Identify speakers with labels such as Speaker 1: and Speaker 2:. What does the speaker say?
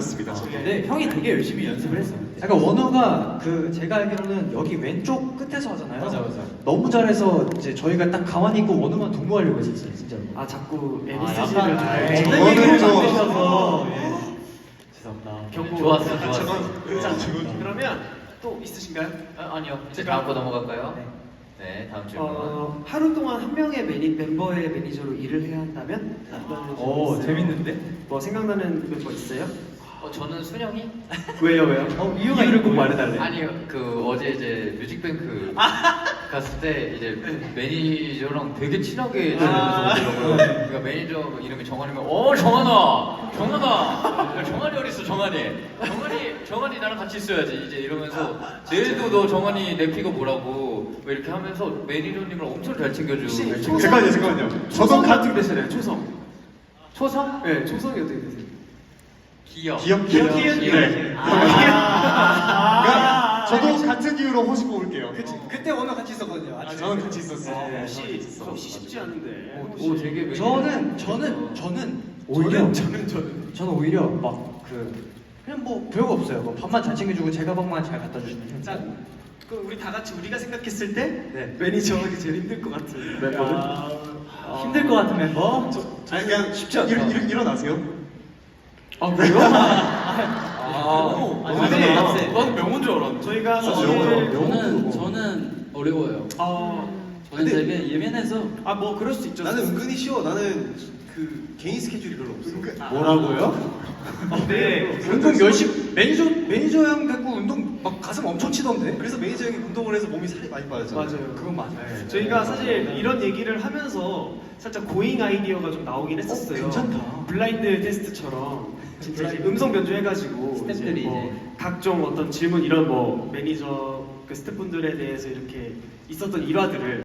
Speaker 1: 같습니다.
Speaker 2: 근데 형이 되게 열심히 연습을 했어. 약간 원우가 그 제가 알기로는 여기 왼쪽 끝에서 하잖아요.
Speaker 3: 맞아.
Speaker 2: 너무 잘해서 이제 저희가 딱 가만히 있고 원우만 동무하려고 했었어요, 진짜로.
Speaker 4: 아 자꾸
Speaker 2: 약간,
Speaker 4: MSG를
Speaker 2: 네.
Speaker 4: 좀
Speaker 1: 저거는 좀-
Speaker 4: 만드셔서
Speaker 2: 죄송합니다.
Speaker 4: 경고.
Speaker 3: 좋았어.
Speaker 4: 그러면 또 있으신가요?
Speaker 3: 아니요. 이제 다음 거 넘어갈까요? 네, 다음 질문.
Speaker 4: 하루 동안 한 명의 멤버의 매니저로 일을 해야 한다면 어떤
Speaker 2: 오,
Speaker 4: 있어요?
Speaker 2: 재밌는데?
Speaker 4: 뭐 생각나는 멤버 있어요?
Speaker 3: 저는 순영이?
Speaker 4: 왜요? 이유를 꼭 말해달래요.
Speaker 3: 아니요, 어제 이제 뮤직뱅크 갔을 때 이제 매니저랑 되게 친하게 지내면서 오더라고요. 그러니까 매니저 이름이 정한이면 정한아, 정한이 어디 있어, 정한이 나랑 같이 있어야지 이제 이러면서 내일도 너 정한이 내 피가 뭐라고 뭐 이렇게 하면서 매니저님을 엄청 잘 챙겨주고.
Speaker 1: 잠깐만요.
Speaker 4: 초성 같은 되시나요? 초성.
Speaker 3: 초성?
Speaker 4: 네, 초성이 어떻게 되세요?
Speaker 3: 기억.
Speaker 1: 기억.
Speaker 4: 네.
Speaker 1: 그러니까 저도 같은 이유로 호시 뽑을게요.
Speaker 2: 그때 원우 같이 있었거든요.
Speaker 1: 저는 같이 있었어요.
Speaker 4: 혹시 쉽지 않은데.
Speaker 3: 오, 되게 매니저.
Speaker 2: 저는 오히려 저는 오히려 막 그냥 뭐 별거 없어요. 뭐 밥만 잘 챙겨주고 제 가방만 잘 갖다 주시면
Speaker 4: 짠. 그럼 우리 다 같이 우리가 생각했을 때
Speaker 2: 네.
Speaker 4: 매니저 하기 제일 힘들 것 같은 멤버는?
Speaker 2: 힘들 것 같은 멤버?
Speaker 1: 아니 그냥 쉽지 않다. 일어나세요.
Speaker 4: 아 그래요?
Speaker 2: 근데
Speaker 4: 넌 명호인 줄 알았는데. 저희가
Speaker 5: 저는 어려워요. 저는 되게 예민해서
Speaker 4: 뭐 그럴 수 있죠.
Speaker 6: 나는 은근히 쉬워. 나는 그 개인 스케줄이 별로 없어.
Speaker 2: 뭐라고요?
Speaker 4: 네.
Speaker 2: 운동 열심히 매니저 형 갖고 운동 막 가슴 엄청 치던데?
Speaker 6: 그래서 매니저 형이 운동을 해서 몸이 살이 많이 빠졌잖아.
Speaker 4: 맞아요.
Speaker 2: 그건 맞아요.
Speaker 4: 저희가 사실 이런 얘기를 하면서 살짝 고잉 아이디어가 좀 나오긴 했었어요.
Speaker 2: 괜찮다.
Speaker 4: 블라인드 테스트처럼 진짜 이제 음성 변조해가지고
Speaker 5: 스태프들이
Speaker 4: 뭐 각종 어떤 질문 이런 뭐 매니저 그 스태프분들에 대해서 이렇게 있었던 일화들을